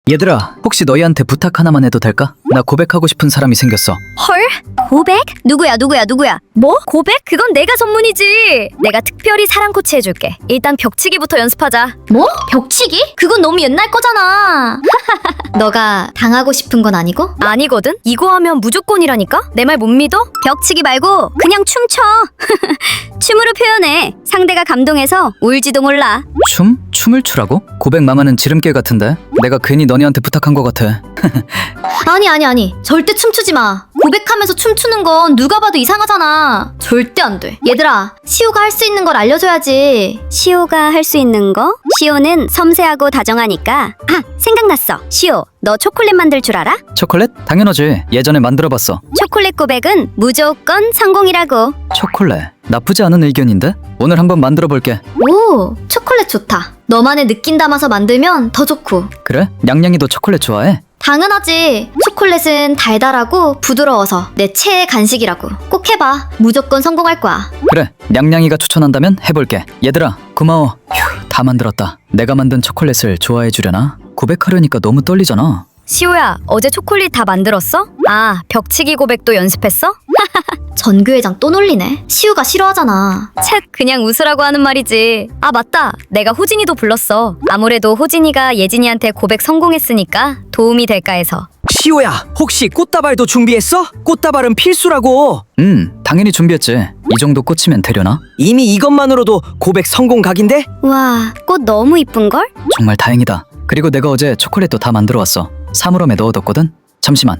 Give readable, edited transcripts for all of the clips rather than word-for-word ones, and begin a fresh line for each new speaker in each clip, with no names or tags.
얘들아, 혹시 너희한테 부탁 하나만 해도 될까? 나 고백하고 싶은 사람이 생겼어.
헐? 고백? 누구야? 뭐? 고백? 그건 내가 전문이지. 내가 특별히 사랑 코치 해줄게. 일단 벽치기부터 연습하자.
뭐? 벽치기? 그건 너무 옛날 거잖아. 너가 당하고 싶은 건 아니고?
아니거든? 이거 하면 무조건이라니까? 내 말 못 믿어? 벽치기 말고 그냥 춤춰. 춤으로 표현해. 상대가 감동해서 울지도 몰라.
춤? 춤을 추라고? 고백 망하는 지름길 같은데? 내가 괜히 너네한테 부탁한 것 같아.
아니. 절대 춤추지 마. 고백하면서 춤추는 건 누가 봐도 이상하잖아. 절대 안 돼. 얘들아, 시우가 할 수 있는 걸 알려줘야지.
시오가 할 수 있는 거? 시오는 섬세하고 다정하니까. 아, 생각났어. 시오, 너 초콜릿 만들 줄 알아?
초콜릿? 당연하지. 예전에 만들어봤어.
초콜릿 고백은 무조건 성공이라고.
초콜릿? 나쁘지 않은 의견인데? 오늘 한번 만들어볼게.
오, 초콜릿 좋다. 너만의 느낌 담아서 만들면 더 좋고.
그래? 냥냥이도 초콜릿 좋아해?
당연하지. 초콜릿은 달달하고 부드러워서 내 최애 간식이라고. 꼭 해봐. 무조건 성공할 거야.
그래, 냥냥이가 추천한다면 해볼게. 얘들아, 고마워. 휴, 다 만들었다. 내가 만든 초콜릿을 좋아해 주려나? 고백하려니까 너무 떨리잖아.
시오야, 어제 초콜릿 다 만들었어? 아, 벽치기 고백도 연습했어?
전교회장 또 놀리네. 시우가 싫어하잖아.
챗, 그냥 웃으라고 하는 말이지. 아, 맞다. 내가 호진이도 불렀어. 아무래도 호진이가 예진이한테 고백 성공했으니까 도움이 될까 해서.
시오야, 혹시 꽃다발도 준비했어? 꽃다발은 필수라고.
당연히 준비했지. 이 정도 꽂히면 되려나?
이미 이것만으로도 고백 성공 각인데?
와, 꽃 너무 이쁜걸?
정말 다행이다. 그리고 내가 어제 초콜릿도 다 만들어 왔어. 사물함에 넣어뒀거든? 잠시만.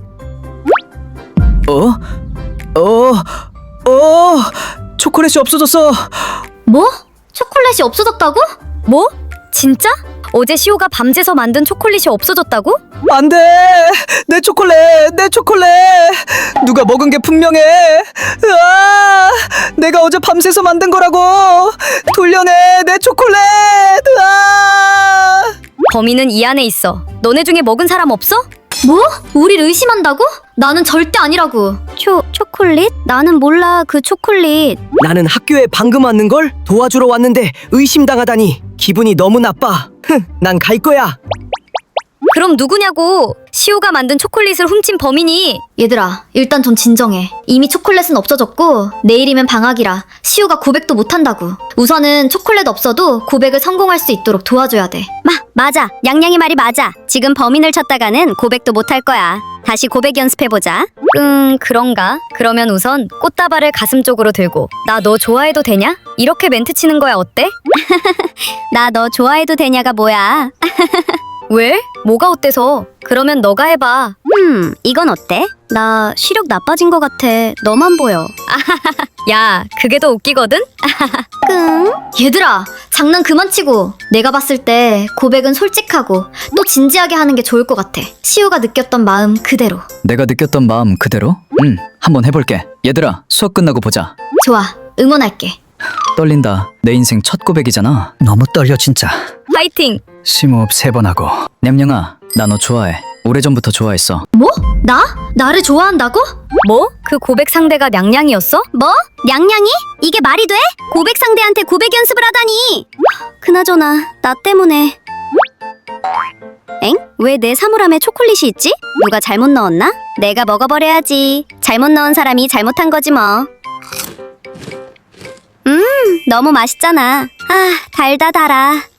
초콜릿이 없어졌어.
뭐? 초콜릿이 없어졌다고?
뭐? 진짜? 어제 시오가 밤새서 만든 초콜릿이 없어졌다고?
안 돼! 내 초콜릿! 내 초콜릿! 누가 먹은 게 분명해! 으아! 내가 어제 밤새서 만든 거라고! 돌려내! 내 초콜릿! 으아!
범인은 이 안에 있어. 너네 중에 먹은 사람 없어?
뭐? 우리를 의심한다고? 나는 절대 아니라고.
초콜릿? 나는 몰라, 그 초콜릿.
나는 학교에 방금 왔는걸? 도와주러 왔는데 의심당하다니 기분이 너무 나빠. 난 갈 거야.
그럼 누구냐고? 시오가 만든 초콜릿을 훔친 범인이.
얘들아, 일단 좀 진정해. 이미 초콜릿은 없어졌고 내일이면 방학이라 시우가 고백도 못한다고. 우선은 초콜릿 없어도 고백을 성공할 수 있도록 도와줘야 돼.
맞아. 냥냥이 말이 맞아. 지금 범인을 찾다가는 고백도 못할 거야. 다시 고백 연습해보자. 그런가? 그러면 우선 꽃다발을 가슴 쪽으로 들고 나 너 좋아해도 되냐? 이렇게 멘트 치는 거야 어때? 나 너 좋아해도 되냐가 뭐야? 왜? 뭐가 어때서? 그러면 너가 해봐. 이건 어때? 나 시력 나빠진 것 같아. 너만 보여. 야, 그게 더 웃기거든?
얘들아, 장난 그만 치고. 내가 봤을 때 고백은 솔직하고 또 진지하게 하는 게 좋을 것 같아. 시우가 느꼈던 마음 그대로.
내가 느꼈던 마음 그대로? 한번 해볼게. 얘들아, 수업 끝나고 보자.
좋아, 응원할게.
떨린다. 내 인생 첫 고백이잖아. 너무 떨려 진짜.
파이팅!
심호흡 3번 하고. 냠냥아, 나 너 좋아해. 오래전부터 좋아했어.
뭐? 나를 좋아한다고?
뭐? 그 고백 상대가 냥냥이었어? 뭐? 냥냥이? 이게 말이 돼? 고백 상대한테 고백 연습을 하다니. 그나저나 나 때문에. 엥? 왜 내 사물함에 초콜릿이 있지? 누가 잘못 넣었나? 내가 먹어버려야지. 잘못 넣은 사람이 잘못한 거지 뭐. 너무 맛있잖아. 아, 달다 달아.